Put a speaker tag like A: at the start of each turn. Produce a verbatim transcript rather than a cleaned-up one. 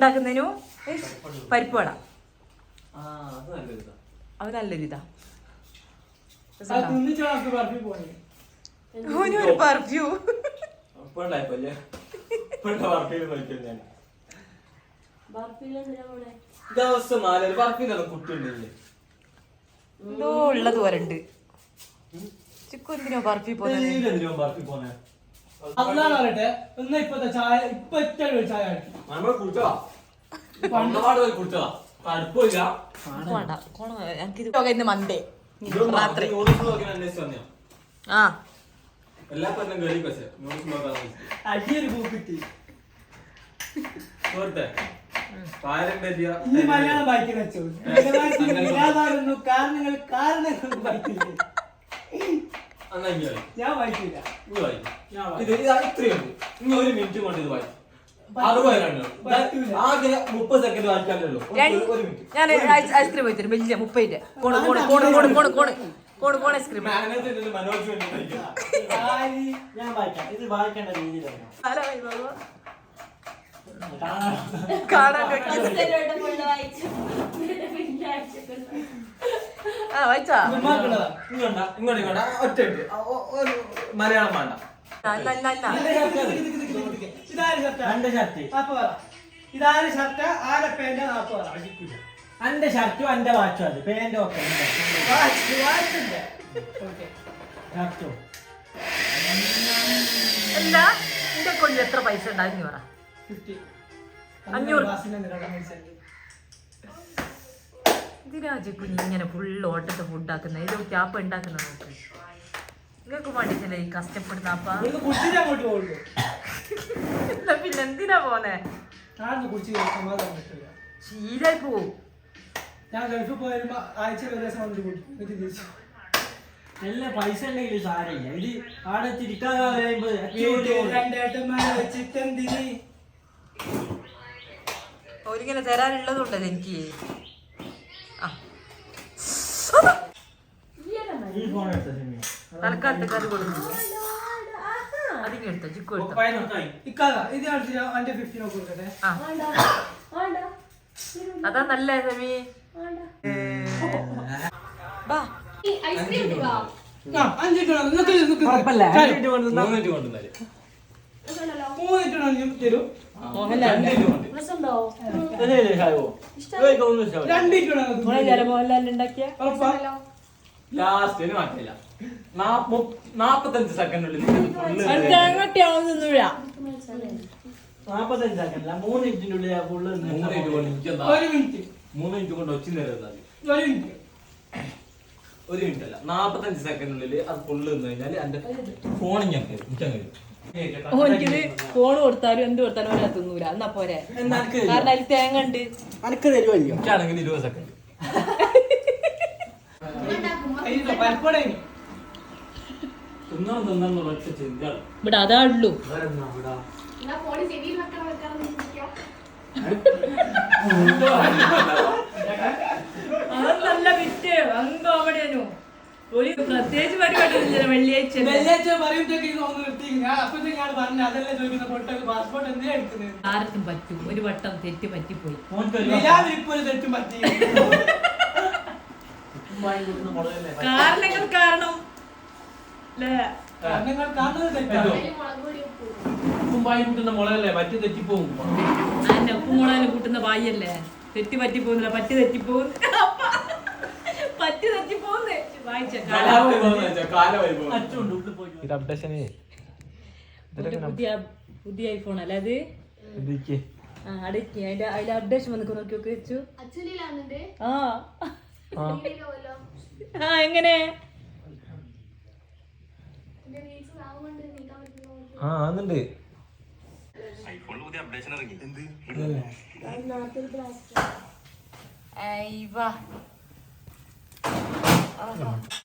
A: ഉണ്ടാക്കുന്നതിനു പരിപ്പ് വട അത് നല്ലൊരു ഇതാ ഒരു പെർഫ്യൂ എന്തോ ഉള്ളത് വരണ്ട് ചിക്കു എന്തിനോ ബർഫി പോന്നെ മണ്ടേ രാത്രി ആ
B: മലയാളം വായിക്കാൻ വെച്ചു കാരണങ്ങൾ കാരണങ്ങൾ ഞാൻ വായിക്കില്ല
C: ഒരു മിനിറ്റ് കൊണ്ട് ഇത് വായിക്കും മുപ്പത് സെക്കൻഡ് വായിക്കാനല്ലോ
A: ഞാൻ ഐസ്ക്രീം വെച്ചിട്ട് വലിയ മുപ്പതിന്റെ cone cone cone cone cone cone cone cone ice cream
B: ഞാൻ വായിക്കാം ഇത് വായിക്കേണ്ട രീതിയിലാണ്
A: കാണാൻ ആ വായിച്ചാ
C: ഒറ്റ മലയാളം വേണ്ട
B: ഇതാര് ഷർട്ട് ആരെ പേന്റ് അന്റെ ഷർട്ടും അന്റെ വാച്ചും അത് പേന്റ് ഒക്കെ
A: എന്താ എന്റെ കൊല്ലം എത്ര പൈസ ഉണ്ടായിരുന്നു പറ അഞ്ഞൂറ് ഇതിരാജ് കുഞ്ഞി ഇങ്ങനെ ഫുള്ള് ഓട്ടത്തെ ഫുഡ് ആക്കുന്ന ഇത് ക്യാപ്പ് ഉണ്ടാക്കുന്ന നോക്ക് നിങ്ങൾക്ക് വേണ്ടിട്ടല്ലേ ഈ കഷ്ടപ്പെടുന്ന അപ്പ പിന്നെ എന്തിനാ പോന്നെ ശീലായി പോവും
B: ഞാൻ ഗൾഫിൽ പോയാലും ആഴ്ച നല്ല പൈസ ഉണ്ടെങ്കിലും സാരമില്ല ഇത് ആടെ തിരിക്കാൻ
A: ഒരിങ്ങനെ തരാനുള്ളതുണ്ടല്ലോ എനിക്ക് തലക്കാലത്തെ കറി കൊടുക്കുന്നു അതിന് എടുത്തോ ചിക്കു എടുത്തോ അതാ നല്ല സമീ മോഹൻലാൽ
C: നാപ്പത്തഞ്ച് സെക്കൻഡിനുള്ളിൽ
B: നാപ്പത്തഞ്ച് സെക്കൻഡ് മൂന്ന് മിനിറ്റിനുള്ളിൽ
C: മൂന്ന് മിനിറ്റ് കൊണ്ട് ഒച്ച നേരം ഒരു മിനിറ്റ് അല്ല നാപ്പത്തഞ്ച് സെക്കൻഡിനുള്ളിൽ അത് ഫുള്ള് നിന്ന് കഴിഞ്ഞാൽ എന്റെ ഫോണിൽ ഞാൻ കയറും മിക്കാൻ കഴിയും
A: ഓനിക്കിത് ഫോൺ കൊടുത്താലും എന്ത് കൊടുത്താലും ഓനെ തിന്നൂല എന്നാ പോരെ കാരണം അതിൽ തേങ്ങ ഉണ്ട്
B: അനക്ക് തരുമല്ലോ
C: എനിക്കാണെങ്കിൽ ഇരുപത് സെക്കൻഡ് തിന്നണം തിന്നണം ഒറ്റ ചിന്തയാണ്
A: ഇവിടെ അതാ ഉള്ളൂ അതല്ല വിറ്റ് അങ്ങ് കോമഡിയാനു ഒരു പ്രത്യേകിച്ച് പരിപാടി വെള്ളിയാഴ്ച
B: വെള്ളിയാഴ്ച
A: ആർക്കും പറ്റും ഒരു വട്ടം തെറ്റ് പറ്റിപ്പോയി
B: തെറ്റും പറ്റി
A: കാരണങ്ങൾ കാരണം
C: കൂട്ടുന്ന മുളകല്ലേ പറ്റി തെറ്റിപ്പോവും
A: അതിന്റെ ഉപ്പും മുളകിൽ കൂട്ടുന്ന വായല്ലേ തെറ്റി പറ്റിപ്പോകുന്നില്ല പറ്റി തെറ്റിപ്പോകും പറ്റി തെറ്റിപ്പോകുന്നേ വായിച്ച പുതിയ പുതിയ ഐഫോൺ അല്ലേ അത് അടക്കി അതിന്റെ അതിന്റെ അപ്ഡേഷൻ വന്നിട്ട് നോക്കി നോക്കി വെച്ചു ആ ആ എങ്ങനെ
C: ആ ആന്നുണ്ട്
D: ഐഫോണിൽ പുതിയ അപ്ഡേഷൻ ഇറങ്ങി എന്ത്
A: അയ്യ